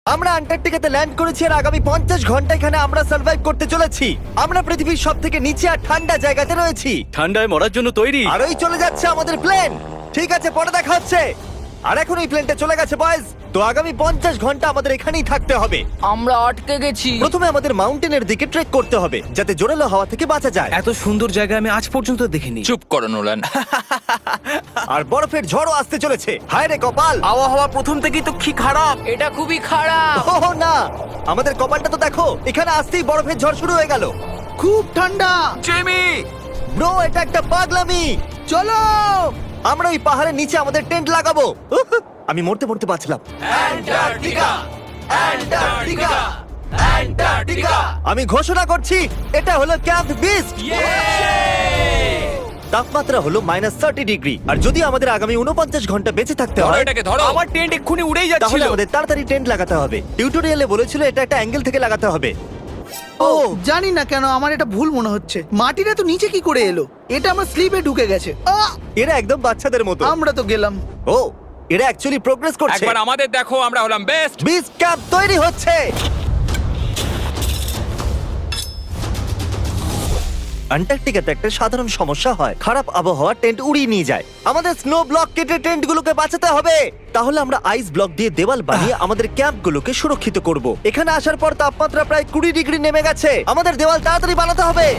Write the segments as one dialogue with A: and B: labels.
A: আমরা আন্টার্কটিকাতে ল্যান্ড করেছি আর আগামী 50 ঘন্টা এখানে আমরা সার্ভাইভ করতে চলেছি। আমরা পৃথিবীর সবথেকে নিচে আর ঠান্ডা জায়গাতে রয়েছি,
B: ঠান্ডায় মরার জন্য তৈরি।
A: আর ওই চলে যাচ্ছে আমাদের প্লেন। ঠিক আছে, পরে দেখা হচ্ছে। আর এখন এই প্লেনটা চলে গেছে বয়েজ। তো আগামী 50 ঘন্টা আমাদের এখানেই থাকতে হবে।
C: আমরা আটকে গেছি।
A: প্রথমে আমাদের মাউন্টেনের দিকে ট্রেক করতে হবে যাতে জোরালো হাওয়া থেকে বাঁচা যায়।
B: এত সুন্দর জায়গা আমি আজ পর্যন্ত দেখিনি।
D: চুপ করো নোলান।
A: আর বরফের ঝড়ও আসতে চলেছে। হায় রে কপাল!
B: আবহাওয়া প্রথম থেকেই তো কি খারাপ।
C: এটা খুবই খারাপ।
A: ওহ না, আমাদের কপালটা তো দেখো, এখানে আসতেই বরফের ঝড় শুরু হয়ে গেল।
E: খুব ঠান্ডা।
B: জেমি,
A: ব্রো, এটা একটা পাগলামি।
E: চলো।
A: আমরা ওই পাহাড়ের নিচে আমাদের টেন্ট লাগাবো। উহ, আমি মরতে মরতে বাঁচলাম। আমি ঘোষণা করছি, এটা হলো ক্যাম্প বিস্ট। তাপমাত্রা হলো -30 ডিগ্রি। আর যদি আমাদের আগামী 49 ঘন্টা বেঁচে থাকতে
D: ধরো
A: হয়,
D: এটাকে, ধরো।
B: আমার টেন্ট এক্ষুনি উড়েই
A: তাহলে
B: যাচ্ছিল।
A: আমাদের তাড়াতাড়ি টেন্ট লাগাতে হবে। টিউটোরিয়ালে বলেছিল এটা একটা অ্যাঙ্গেল থেকে লাগাতে হবে।
E: ও জানি না কেন আমার এটা ভুল মনে হচ্ছে। মাটিটা তো নিচে কি করে এলো? এটা আমার স্লিপে ঢুকে গেছে।
A: এরা একদম বাচ্চাদের মতো।
E: আমরা তো গেলাম।
A: ও, এরা অ্যাকচুয়ালি প্রোগ্রেস করছে।
D: একবার আমাদের দেখো, আমরা হলাম বেস্ট।
A: বিচ ক্যাম্প তৈরি হচ্ছে। আন্টার্কটিকাতে একটা সাধারণ সমস্যা হয়, খারাপ আবহাওয়া টেন্ট উড়িয়ে নিয়ে যায়। আমাদের স্নো ব্লক কেটে টেন্টগুলোকে বাঁচাতে হবে। তাহলে আমরা আইস ব্লক দিয়ে দেওয়াল বানিয়ে আমাদের ক্যাম্পগুলোকে সুরক্ষিত করব। এখানে আসার পর তাপমাত্রা প্রায় 20 ডিগ্রি নেমে গেছে। আমাদের দেওয়াল তাড়াতাড়ি বানাতে হবে।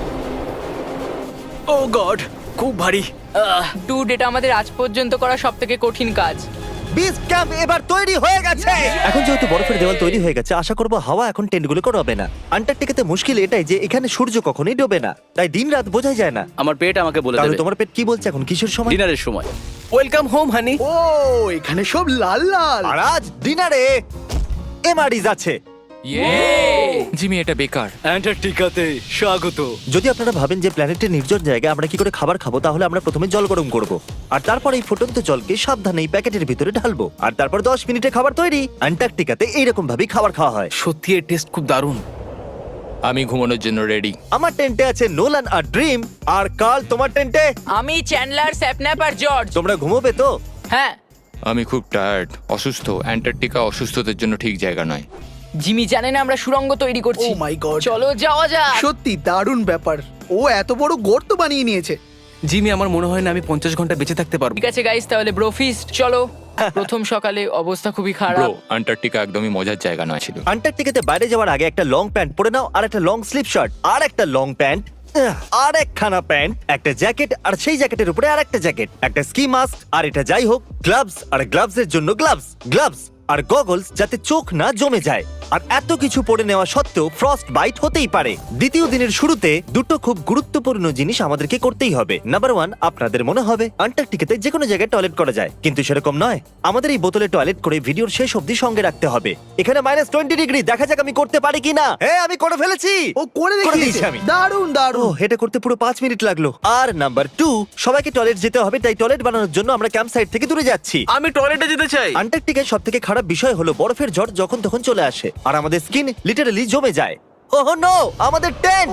B: ও গড, খুব ভারী।
C: ডুড, এটা আমাদের আজ পর্যন্ত করা সবথেকে কঠিন কাজ।
A: বিচ ক্যাম্প এবার তৈরি হয়ে গেছে। এখন যেহেতু বরফের দেওয়াল তৈরি হয়ে গেছে, আশা করব হাওয়া এখন টেন্টগুলোকে ডোবে না। আন্টার্কটিকাতে মুশকিল এটাই যে এখানে সূর্য কখনোই ডোবে না, তাই দিন রাত বোঝাই যায় না।
B: আমার পেট আমাকে বলে
A: তাহলে
B: দেবে
A: তোমার পেট কি বলছে এখন? কিসের সময়?
B: ডিনারের সময়। Welcome home honey.
E: ও এখানে সব লাল লাল।
A: আর আজ ডিনারে এমআরইজ আছে।
D: জিমি, এটা বেকার।
B: অ্যান্টার্কটিকাতে স্বাগত।
A: যদি আপনারা ভাবেন যে প্ল্যানেটের নির্জন জায়গায় আমরা কি করে খাবার খাবো, তাহলে আমরা প্রথমে জল গরম করব, আর তারপর এই ফুটন্ত জলকে সাবধানে এই প্যাকেটের ভিতরে ঢালবো, আর তারপর 10 মিনিটে খাবার তৈরি। অ্যান্টার্কটিকাতে এইরকম ভাবেই খাবার খাওয়া হয়।
B: সত্যি এর টেস্ট খুব দারুণ।
D: আমি ঘুমানোর জন্য রেডি।
A: আমার টেন্টে আছে নোলান আর ড্রিম। আর কাল, তোমার টেন্টে?
C: আমি চ্যান্ডলার, স্যাপন্যাপ আর জর্জ।
A: তোমরা ঘুমোবে তো?
C: হ্যাঁ।
D: আমি খুব টায়ার্ড, অসুস্থ। অ্যান্টার্কটিকা অসুস্থদের জন্য ঠিক জায়গা নয়।
C: জিমি জানে না আমরা সুড়ঙ্গ তৈরি করছি।
E: Oh my God!
C: চলো যাওয়া যাক।
E: সত্যি দারুণ ব্যাপার। ও এত বড় গর্ত বানিয়ে নিয়েছে।
B: জিমি, আমার মনে হয় না আমি 50 ঘন্টা বেঁচে থাকতে পারবো।
C: ঠিক আছে গাইস, তাহলে ব্রোফিস্ট চলো। প্রথম সকালে অবস্থা খুবই
D: ব্রো,
C: খারাপ।
D: অ্যান্টার্কটিকা একদমই মজার জায়গা নয় ছিল।
A: আন্টার্কটিকাতে বাইরে যাওয়ার আগে একটা লং প্যান্ট পরে নাও, আর একটা লং স্লিভ শার্ট, আর একটা লং প্যান্ট, আর একখানা প্যান্ট, একটা জ্যাকেট, আর সেই জ্যাকেটের উপরে আর একটা জ্যাকেট, একটা স্কি মাস্ক, আর এটা যাই হোক গ্লাভস, আর গ্লাভসের জন্য গ্লাভস আর গগলস যাতে চোখ না জমে যায়। আর এত কিছু পরে নেওয়া সত্ত্বেও ফ্রস্ট বাইট হতেই পারে। দ্বিতীয় দিনের শুরুতে দুটো খুব গুরুত্বপূর্ণ জিনিস আমাদেরকে করতেই হবে। নাম্বার 1, আপনাদের মনে হবে আন্টার্কটিকাতে যে কোনো জায়গায় টয়লেট করা যায়, কিন্তু সেরকম নয়। আমাদের এই বোতলে টয়লেট করে ভিডিওর শেষ অবধি সঙ্গে রাখতে হবে। এখানে -20 ডিগ্রি, দেখা যাক আমি করতে পারি কিনা। হ্যাঁ, আমি করে ফেলেছি।
E: ও করে
A: দিয়েছি
E: দেখিয়েছে।
A: আমি।
E: দারুণ
A: ও,
E: দারুণ।
A: এটা করতে পুরো 5 মিনিট লাগলো। আর নাম্বার 2, সবাইকে টয়লেট যেতে হবে, তাই টয়লেট বানানোর জন্য আমরা ক্যাম্প সাইট থেকে দূরে যাচ্ছি।
B: আমি টয়লেটে যেতে চাই।
A: আন্টার্কটিকার সবথেকে খারাপ বিষয় হলো বরফের ঝড় যখন তখন চলে আসে, আর আমাদের স্কিন লিটারালি জমে যায়। ওহ নো, আমাদের টেন্ট!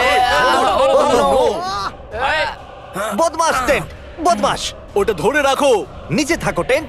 A: বদমাস টেন্ট, বদমাস!
B: ওটা ধরে রাখো।
A: নিচে থাকো টেন্ট।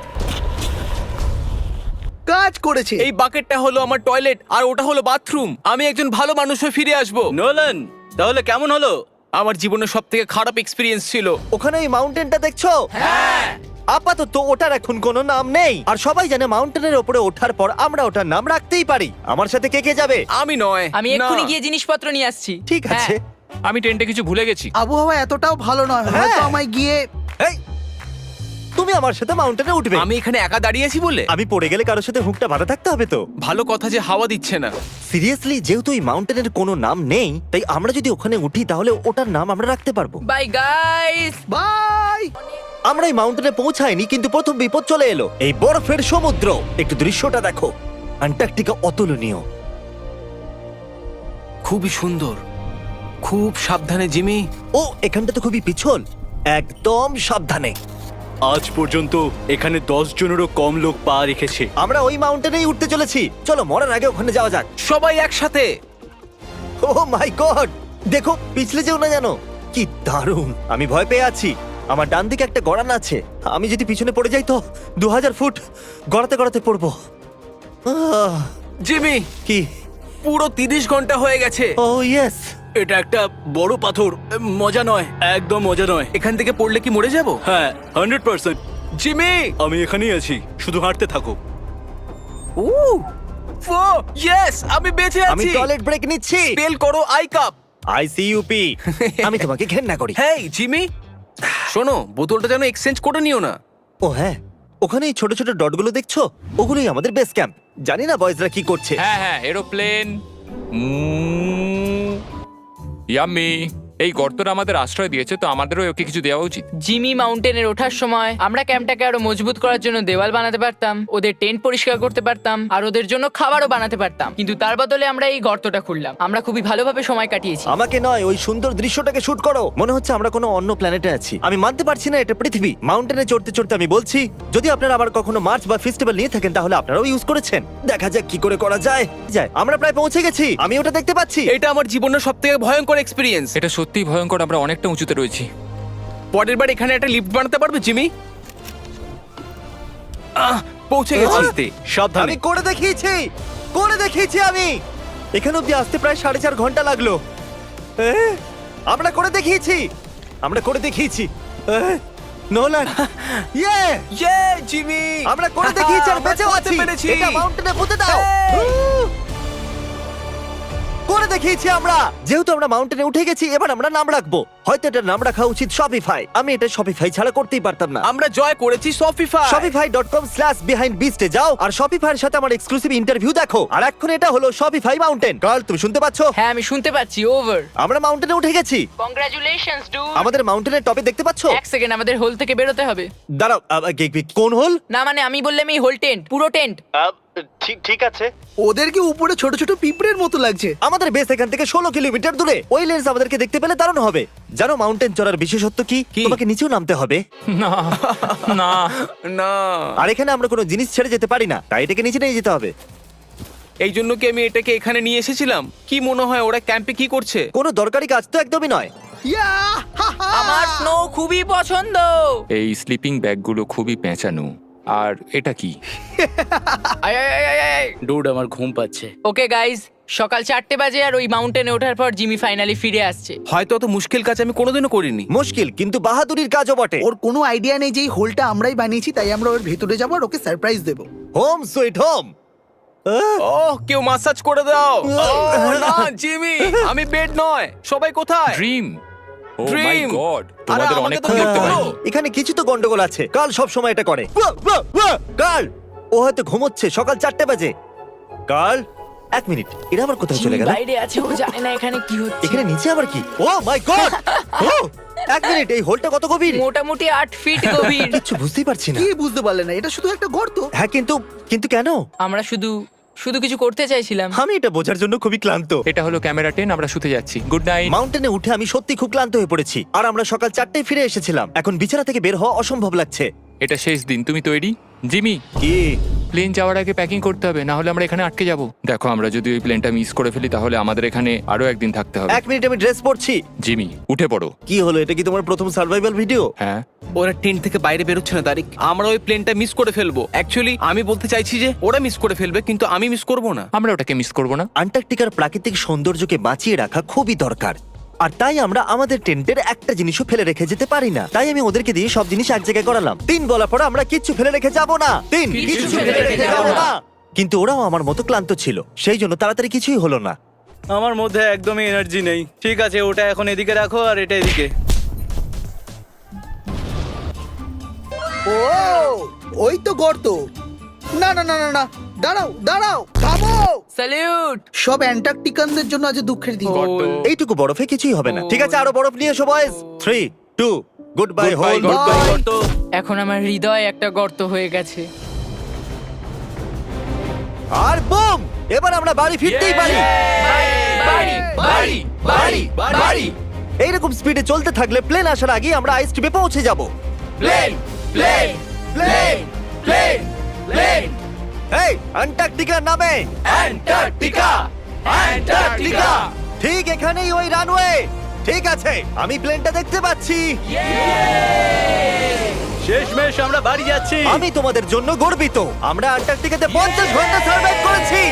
E: কাজ করেছে।
B: এই বাকেটটা হলো আমার টয়লেট আর ওটা হলো বাথরুম। আমি একজন ভালো মানুষ হয়ে ফিরে আসবো। নোলান, তাহলে কেমন হলো? আমার জীবনের সবথেকে খারাপ এক্সপেরিয়েন্স ছিল।
A: ওখানে ওই মাউন্টেনটা দেখছো? হ্যাঁ। আপাতত ওটার এখন কোনো নাম নেই, আর সবাই জানে মাউন্টেনের উপরে ওঠার পর আমরা ওটার নাম রাখতেই পারি। আমার সাথে কে কে যাবে?
B: আমি নয়।
C: আমি
B: না।
C: এক্ষুনি গিয়ে জিনিসপত্র নিয়ে আসছি।
A: ঠিক আছে।
D: আমি টেন্টে কিছু ভুলে গেছি।
E: আবহাওয়া এতটাও ভালো নয়,
A: হ্যাঁ।
E: হয়তো আমায় গিয়ে।
A: এই, তুমি আমার সাথে মাউন্টেনে উঠবে?
B: আমি এখানে একা দাঁড়িয়ে আছি বলে?
A: আমি পড়ে গেলে কারোর সাথে হুকটা বাঁধা থাকতে হবে তো।
B: ভালো কথা যে হাওয়া দিচ্ছে না।
A: সিরিয়াসলি, যেহেতু এই মাউন্টেনের কোনো নাম নেই, তাই আমরা যদি ওখানে উঠি তাহলে ওটার নাম আমরা রাখতে পারবো।
C: Bye guys.
E: বাই।
A: আমরা এই মাউন্টেনে পৌঁছাইনি, কিন্তু প্রথম বিপদ চলে এলো, এই বরফের সমুদ্র। একটু দৃশ্যটা দেখো, আন্টার্কটিকা অতুলনীয়।
B: খুবই সুন্দর। খুব সাবধানে জিমি।
A: ও, এখানটা তো খুবই পিছল, একদম সাবধানে।
F: আজ পর্যন্ত এখানে 10 জনেরও কম লোক পা রেখেছে।
A: আমরা ওই মাউন্টেনেই উঠতে চলেছি। চলো মরার আগে ওখানে যাওয়া যাক।
B: সবাই একসাথে।
A: ও মাই গড, দেখো পিছলে যেও না জানো। কি দারুণ! আমি ভয় পেয়ে আছি। আমার ডান দিকে একটা গড়ান আছে, আমি যদি পিছনে পড়ে যাই তো 2000 ফুট গড়াতে গড়াতে পড়বো।
B: জিমি,
A: কি?
B: পুরো 30 ঘন্টা হয়ে গেছে।
A: Oh yes.
F: এটা একটা বড় পাথর, মজা নয়, একদম মজা নয়।
B: এখান থেকে পড়লে কি মরে যাব?
F: হ্যাঁ 100%।
B: জিমি!
F: আমি এখানেই আছি, শুধু হাঁটতে থাকো।
B: ও ইয়েস, আমি বেঁচে
A: আমি
B: আছি।
A: টয়লেট ব্রেক নিচ্ছি।
B: স্পেল করো আই কাপ।
A: আইসিইউপি। আমি তোমাকে ঘেন্না করি।
B: হেই জিমি, শোনো, বোতলটা যেন এক্সচেঞ্জ করে নিও না।
A: ও হ্যাঁ, ওখানে এই ছোট ছোট ডটগুলো দেখছো, ওগুলোই আমাদের বেস ক্যাম্প। জানি না বয়েজরা কি করছে।
D: হ্যাঁ হ্যাঁ, এরোপ্লেন। ইয়াম্মি। এই গর্তটা আমাদের আশ্রয় দিয়েছে, তো আমাদেরও ওকে কিছু দেওয়া উচিত।
C: জিমি মাউন্টেনের ওঠার সময় আমরা ক্যাম্পটাকে আরো মজবুত করার জন্য দেওয়াল বানাতে পারতাম, ওদের টেন্ট পরিষ্কার করতে পারতাম, আর ওদের জন্য খাবারও বানাতে পারতাম। কিন্তু তার বদলে আমরা এই গর্তটা খুললাম। আমরা খুবই ভালোভাবে সময় কাটিয়েছি।
A: আমাকে নয়, ওই সুন্দর দৃশ্যটাকে শুট করো। মনে হচ্ছে আমরা কোনো অন্য প্ল্যানেটে আছি। আমি মানতে পারছি না এটা পৃথিবী। মাউন্টেনে চড়তে চড়তে আমি বলছি, যদি আপনারা আবার কখনো মার্চ বা ফেস্টিভ্যাল নিয়ে থাকেন তাহলে আপনারাও ইউজ করেছেন। দেখা যাক কি করে করা যায়। আমরা প্রায় পৌঁছে গেছি, আমি ওটা দেখতে পাচ্ছি।
B: এটা আমার জীবনের সবথেকে ভয়ঙ্কর এক্সপেরিয়েন্স।
D: এটা সত্যিই ভয়ঙ্কর, আমরা অনেকটা উঁচুতে রয়েছি।
B: পরের বার এখানে একটা লিফট বানাতে পারবে জিমি? পৌঁছে গেছি।
F: সাবধানে।
A: আমি করে দেখিয়েছি আমি। এখানে অব্দি আসতে প্রায় 4.5 ঘন্টা লাগলো। আমরা করে দেখিয়েছি। নোলান, ইয়ে!
B: ইয়ে জিমি,
A: আমরা করে দেখিয়েছি আর
B: আমরা
A: বেঁচেও
B: করতে
A: আছি।
B: পেরেছি।
A: এটা মাউন্টেনে পুঁতে দাও। করে দেখিয়েছি আমরা। যেহেতু আমরা মাউন্টেনে উঠে গেছি, এবার আমরা নাম রাখবো। হয়তো এটার নাম রাখা উচিত শপিফাই। আমি এটা শপিফাই ছাড়া করতেই পারতাম না।
B: আমরা জয় করেছি শপিফাই।
A: shopify.com/behindbeast এ যাও আর শপিফাই এর সাথে আমার এক্সক্লুসিভ ইন্টারভিউ দেখো। আর এখন এটা হলো শপিফাই মাউন্টেন। কার্ল, তুমি শুনতে পাচ্ছো?
C: হ্যাঁ, আমি শুনতে পাচ্ছি। ওভার।
A: আমরা মাউন্টেনে উঠে গেছি।
C: Congratulations dude.
A: আমাদের মাউন্টেনের টপে দেখতে পাচ্ছো?
C: এক সেকেন্ড, আমাদের হোল থেকে বেরোতে হবে।
A: দাঁড়াও, কোন হোল?
C: না মানে আমি বললাম এই হোল টেন্ট, পুরো টেন্ট।
A: ঠিক আছে।
E: ওদেরকে উপরে ছোট ছোট পিঁপড়ের মতো লাগছে।
A: আমাদের বেস এখান থেকে 16 কিলোমিটার দূরে। ওই লেন্স আমাদেরকে দেখতে পেলে দারুণ হবে। জানো মাউন্টেন চড়ার বিশেষত্ব কি? তোমাকে নিচেও নামতে হবে।
D: না না
B: না,
A: আর এখানে আমরা কোনো জিনিস ছেড়ে যেতে পারি না, তাই এটাকে নিচে নিয়ে যেতে হবে।
B: এই জন্য কি আমি এটাকে এখানে নিয়ে এসেছিলাম? কি মনে হয় ওরা ক্যাম্পে কি করছে?
A: কোনো দরকারি কাজ তো একদমই নয়।
E: ইয়া! হা, হা!
C: আমার স্নো খুবই পছন্দ।
D: এই স্লিপিং ব্যাগগুলো খুবই পেঁচানো। আর এটা কি?
F: ডুড, আমার ঘুম পাচ্ছে।
C: ওকে গাইজ, সকাল 4টে বাজে আর ওই মাউন্টেনে ওঠার পর জিমি ফাইনালি ফিরে আসছে।
B: হয়তো অত মুশকিল কাজ আমি কোনোদিনও করিনি।
A: মুশকিল কিন্তু বাহাদুরির কাজও বটে।
E: ওর কোনো আইডিয়া নেই যে এই হোলটা আমরাই বানিয়েছি, তাই আমরা ওর ভেতরে যাবো আর ওকে সারপ্রাইজ দেবো।
A: Home sweet home.
B: ওহ, কেউ মাসাজ করে দাও। ওহ, না জিমি, আমি বেড নয়। সবাই কোথায়?
D: Dream. Oh my
B: Dream!
D: God,
B: আরে,
D: তোমাদের
B: আমাকে
D: অনেকক্ষণ
B: তো
D: দেখতে
B: দেখতে
D: পাইনি।
B: পারো।
A: এখানে কিছু তো গন্ডগোল আছে। কাল সব সময় এটা করে। কাল, ও হয়তো ঘুমোচ্ছে। সকাল 4টে বাজে। কাল, 1 মিনিট, এরা আবার কোথায় চলে
C: জিমি
A: গেল?
C: বাইরে আছে, ও জানে না এখানে কি হচ্ছে।
A: এখানে নিচে আবার কি? ও মাই গড! 1 মিনিট, এই হোলটা কত গভীর?
C: মোটামুটি 8 ফিট গভীর।
A: কিচ্ছু বুঝতেই পারছি না।
E: কি বুঝতে পারলে না? এটা শুধু একটা গর্ত।
A: হ্যাঁ, কিন্তু কেন?
C: আমরা শুধু কিছু করতে চাইছিলাম।
A: আমি এটা বোঝার জন্য খুবই ক্লান্ত।
D: এটা হলো ক্যামেরা 10, আমরা শুতে যাচ্ছি। Good night.
A: মাউন্টেনে উঠে আমি সত্যি খুব ক্লান্ত হয়ে পড়েছি। আর আমরা সকাল 4টায় ফিরে এসেছিলাম। এখন বিছানা থেকে বের হওয়া অসম্ভব লাগছে।
D: এটা শেষ দিন, তুমি তৈরি? জিমি,
A: কি?
D: প্লেন যাওয়ার আগে প্যাকিং করতে হবে, না হলে আমরা এখানে আটকে যাব। দেখো, আমরা যদি ওই প্লেনটা মিস করে ফেলি তাহলে আমাদের এখানে আরো একদিন থাকতে হবে।
A: 1 মিনিট, আমি ড্রেস পরছি।
D: জিমি, উঠে পড়ো।
A: কি হলো? এটা কি তোমার প্রথম সার্ভাইভাল ভিডিও?
D: হ্যাঁ।
B: ওরা টেন্ট থেকে বাইরে বেরোচ্ছে না তারিক। আমরা ওই প্লেনটা মিস করে ফেলবো। অ্যাকচুয়ালি আমি বলতে চাইছি যে ওরা মিস করে ফেলবে, কিন্তু আমি মিস করব না।
D: আমরা ওটাকে মিস করব না।
A: আন্টার্কটিকার প্রাকৃতিক সৌন্দর্যকে বাঁচিয়ে রাখা খুবই দরকার। আর তাই আমরা আমাদের টেন্টের একটা জিনিসও ফেলে রেখে যেতে পারি না। তাই আমি ওদেরকে দিয়ে সব জিনিস এক জায়গায় করালাম। 3 বলার পর আমরা কিচ্ছু ফেলে রেখে যাব না। 3 কিচ্ছু ফেলে রেখে যাব না। কিন্তু ওরাও আমার মতো ক্লান্ত ছিল, সেই জন্য তাড়াতাড়ি কিছুই হলো না।
F: আমার মধ্যে একদমই এনার্জি নেই। ঠিক আছে, ওটা এখন এদিকে রাখো আর এটা এদিকে।
E: ও, ওই তো গর্ত। না না না না না, দাঁড়াও দাঁড়াও, থামো।
C: স্যালিউট।
E: সব অ্যান্টার্কটিকানদের জন্য আজ দুঃখের দিন।
A: এইটুকু বরফে কিছুই হবে না। ঠিক আছে, আরো বরফ নিয়ে এসো বয়েজ। 3, 2, good bye whole.
C: এখন আমার হৃদয় একটা গর্ত হয়ে গেছে।
A: আর বুম! এবার আমরা বাড়ি ফিরতেই পারি।
C: বাড়ি বাড়ি বাড়ি বাড়ি।
A: এইরকম স্পিডে চলতে থাকলে প্লেন আসার আগে আমরা আইস টিপে পৌঁছে যাব।
C: Plane plane plane plane plane.
A: এই অ্যান্টার্কটিকার নামে।
C: Antarctica Antarctica.
A: ঠিক এখানেই ওই রানওয়ে। ঠিক আছে, আমি প্লেনটা দেখতে পাচ্ছি।
F: শেষমেশ আমরা বাড়ি যাচ্ছি।
A: আমি তোমাদের জন্য গর্বিত। আমরা আন্টার্কটিকাতে 50 ঘন্টা সার্ভাইভ করেছি।